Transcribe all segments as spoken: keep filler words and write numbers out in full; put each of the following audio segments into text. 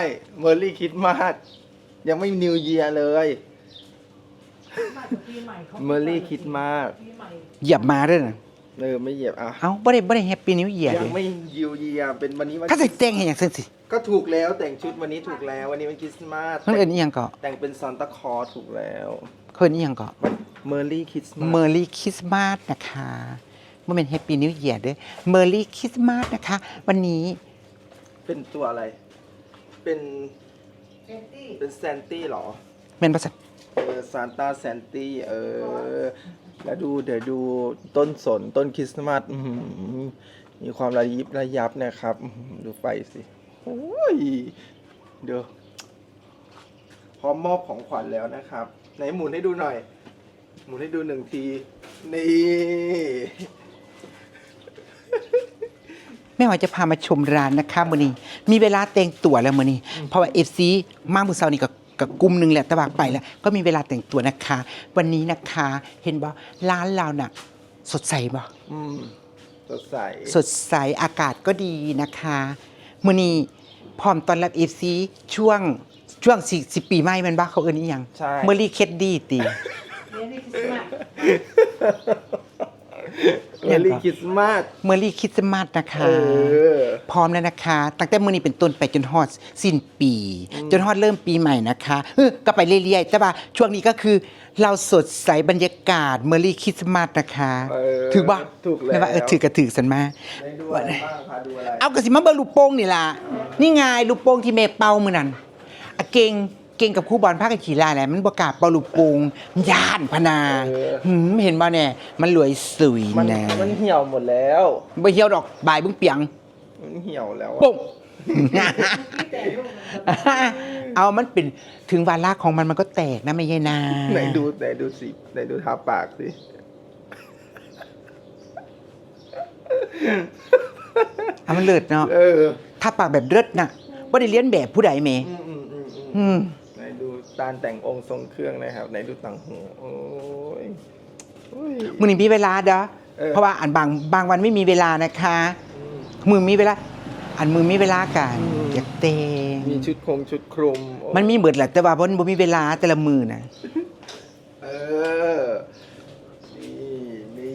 เมอร์รี่คริสต์มาสยังไม่นิวเยียร์เลยเมอร์รี่คริสต์มาสเหยียบมาด้วยนะเออไม่เหยียบอ่ะเอ้าบ่ได้บ่ได้แฮปปี้นิวเยียร์ยัเลงยไม่นิวเยียร์เป็นวันนี้วันเขาใส่แต่งให้หยังซั่นสิก็ถูกแล้วแต่งชุดวันนี้ถูกแล้ววันนี้เป็นคริสต์มาสมันเอิ้นอีหยังก็แต่งเป็นซานตาคลอสถูกแล้วเพิ่นอีหยังก็เมอร์รี่คริสต์มาสเมอร์รี่คริสต์มาสนะคะบ่แม่นแฮปปี้นิวเยียร์เด้อเมอร์รี่คริสต์มาสนะคะ วันนี้เป็นตัวอะไร เป็นเป็นแซนตี้เหรอแม่นบ่ซั่นเออซานต้าแซนตี้เออแล้วดูเดี๋ยวดูต้นสนต้นคริสต์มาสอื้อหือมีความระยิบระยับนะครับอื้อหือดูไฟสิโอ้ยเดี๋ยวพร้อมมอบของขวัญแล้วนะครับไหนหมุนให้ดูหน่อย หมุนให้ดูหนึ่งทีนี่แม่หอยจะพามาชมร้านนะคะมื้อนี้มีเวลาแต่งตัวแล้วมื้อนี้เพราะว่า เอฟ ซี มามื้อเช้านี้ก็กับกลุ่มหนึงแหละแต่ว่าไปแล้ว ก็มีเวลาแต่งตัวนะคะ วันนี้นะคะเห็นบ่ร้านเราน่ะสดใสบ่อืมสดใสสดใสอากาศก็ดีนะคะมื้อนี้พร้อมต้อนรับ เอฟ ซี ช่วงช่วงสิสิปีใหม่แม่นบ่เขาเอิ้นอีหยังใช่เมอรี่เคดดี้ติเมอร์รี่คริสต์มาสเมอรี่คริสต์มาสนะคะเออพร้อมแล้วนะคะ ตั้งแต่มื้อนี้เป็นต้นไปจนฮอดสิ้นปี จนฮอดเริ่มปีใหม่นะคะเออก็ไปเรื่อยๆแต่ว่าช่วงนี้ก็คือเราสดใสบรรยากาศเมอรี่คริสต์มาสนะคะเออถือบ่ถูกแล้วไม่ว่าเออถือก็ถือสันมาได้ดูอะไรบ้างคะดูอะไรเอากระสิมาเบิ่งลูกโป่งนี่ล่ะนี่ไงลูกโป่งที่แม่เป่ามื้อนั้นอะเก่งเก่งกับครูบอลพากันขี่ลายแหละมันบ่กล้าเป่าลูกโป่งย่านพะนาหืมเห็นบ่แน่มันรวยสวยมันนะมันเหี่ยวหมดแล้วบ่เหี่ยวดอกบายเบิ่งเปียงมันเหี่ยวแล้วอะโป่ง เอามันเป็นถึงวาระของมันมันก็แตกนะไม่ใช่นาไหนดูไหนดูสิไหนดูทาปากสิเอามันเลิศเนาะเออถ้าปากแบบเลิศน่ะบ่ได้เลียนแบบผู้ใดแหมอืมอืมอืมอืมอืมไหนดูตาลแต่งองค์ทรงเครื่องนะครับไหนดูต่างหูโอ้ยโอ้ยมื้อนี้มีเวลาเด้อเออเพราะว่าอันบางบางวันไม่มีเวลานะคะอืมมือมีเวลา อันมือมีเวลากันอืมอยากเตงมีชุดคงชุดคลุมโอ้มันมีเบิดแหละแต่ว่าบ่บ่มีเวลาแต่ละมือน่ะเออนี่นี่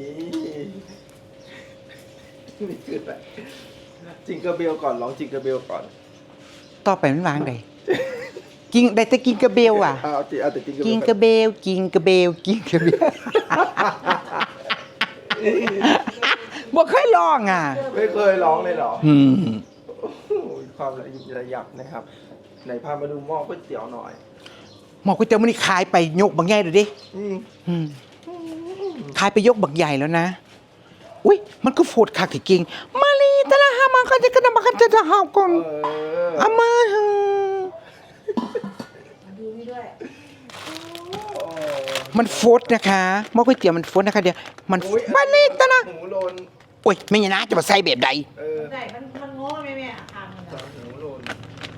นี่คืออะไรจิงเกอร์เบลก่อนร้องจิงเกอร์เบลก่อนต่อไปมันวางได้กินได้แต่กินกระเบลอ่ะเอาเอาเอาแต่จิงเกอร์เบลกินกระเบลกินกระเบลกินกระเบล บ่เคยลองอ่ะไม่เคยร้องเลยเหรออืมโอ้โหความระยิบระยับนะครับไหนพามาดูหม้อก๋วยเตี๋ยวหน่อยหมอก๋วยเตี๋ยวมื้อนี้ขายไปยกบักใหญ่ดูดิอืมอืมขายไปยกบักใหญ่แล้วนะอุ้ยมันก็โฟดคักที่กิ่งมาลีตะละหามากันจะกันมากันจะจะหาก่อนเอออามาหึดูนี่ด้วยโอ้มันโฟดนะคะหม้อก๋วยเตี๋ยวมันโฟดนะคะเดี๋ยวมันโอ้ยมาลีตะละหมูโลนโอ้ยไม่ยนะจะมาใส่แบบใดเออได้มันมันโง่ไหมแม่อ่ะทางมันสาอ่ะมหมูโลน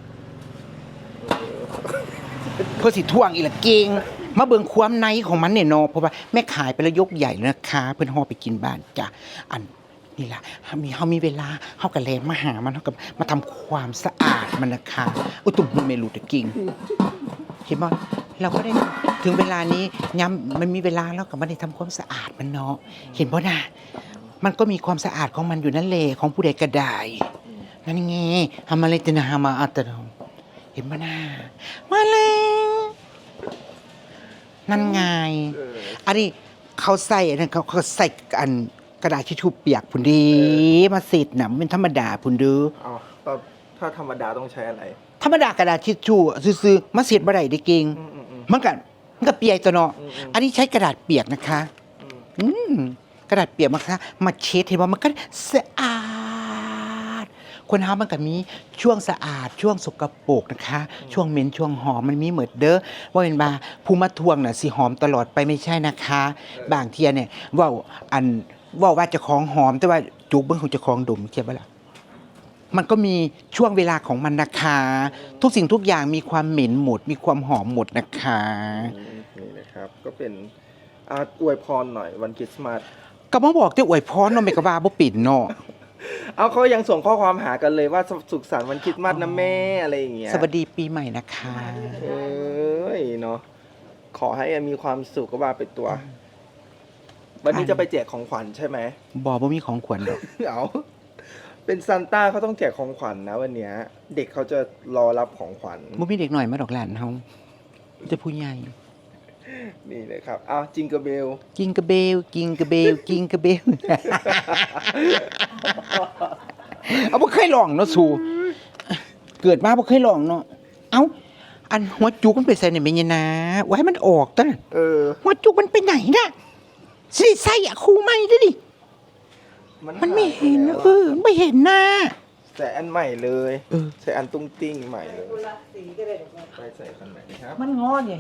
เพื่อสิท่วงอีละเก่งมาเบิ่งความในของมันเนี่ยเนาะเพราะว่าแม่ขายไปแล้วยกใหญ่แล้วนะคะ เพิ่นห่อไปกินบ้านจ้ะอันนี่ล่ะมีเฮามีเวลาเฮาก็แลมาหามันเฮาก็มาทำความสะอาดมันนะคะอุยตุ่มมันไม่รู้แต่กิ่งเห็นบ่เราก็ได้ถึงเวลานี้ย้ำมันมีเวลาแล้วก็บ่ได้ทำความสะอาดมันเนาะเห็นบ่น่ะมันก็มีความสะอาดของมันอยู่นั่นแหละของผู้ใดก็ได้นั่นไงทำอะไรจะนะมาอัตโนเห็นบ่น่ะมาแล้วนั่นไงเอออันนี้เขาใส่อันนั้นเขาเขาใส่อันกระดาษทิชชู่เปียกพุ่นดีมาสิทธิ์น่ะมันเป็นธรรมดาพุ่นเด้อเอาตอนถ้าธรรมดาต้องใช้อะไรธรรมดากระดาษทิชชู่ซื่อๆมาสิทธิ์บ่ได้เด้เก่งอืมอืมอืมมันก็มันก็เปียกตัวเนาะอืมอืมอันนี้ใช้กระดาษเปียกนะคะอืมอืมกระดาษเปียกมาค่ะมาเช็ดเห็นว่ามันก็สะอาดคนเฮามันก็มีช่วงสะอาดช่วงสกปรกนะคะ ช่วงเหม็นช่วงหอมมันมีเหมือนเด้อว่าเป็นบาผู้มาทวงน่ะสิหอมตลอดไปไม่ใช่นะคะ บางเทียเนี่ยเว่าอันเว่าว่าเจะของหอมแต่ว่าจุกเบิ่งของเจะของดมเขียนบ่ล่ะมันก็มีช่วงเวลาของมันนะคะ ทุกสิ่งทุกอย่างมีความเหม็นหมด มีความหอมหมดนะคะอืมนี่นะครับ ก็เป็นอาอวยพรหน่อยวันคริสต์มาสก็มาบอกที่อวยพรเนาะไม่ก็ว่าบ่ปิ่นเนาะเอาเขายังส่งข้อความหากันเลยว่าสุขสันต์วันคริสต์มาสนะแม่อะไรอย่างเงี้ยสวัสดีปีใหม่นะคะเอ้ยเนาะขอให้มีความสุขก็ว่าไปตัว วันนี้จะไปแจกของขวัญใช่ไหมบอบ่มีของขวัญดอกเอาเป็นซานต้าเขาต้องแจกของขวัญนะวันเนี้ย เด็กเขาจะรอรับของขวัญบ่มีเด็กหน่อยมาดอกหลานเฮาจะผู้ใหญ่นี่เลยครับอ้าวจิงเกอร์เบลกิงกระเบลกิงกระเบลกิงกระเบล เอาบ่เคยลองเนาะสูเกิดมาบ่เคยลองเนาะเอ้าอันหัวจุกมันไปใส่ในแม่ยะนาไว้ให้มันออกตะเออหัวจุกมันไปไหนน่ะสิใส่อะครูใหม่เด้อดิมันไม่เห็นหายไปเอแล้วอไม่เห็นหน้าใส่อันใหม่เลยเออใส่อันตุ้งติ้งใหม่เลยคนละสีก็ได้ไปใส่คันไหนครับมันงอเนี่ย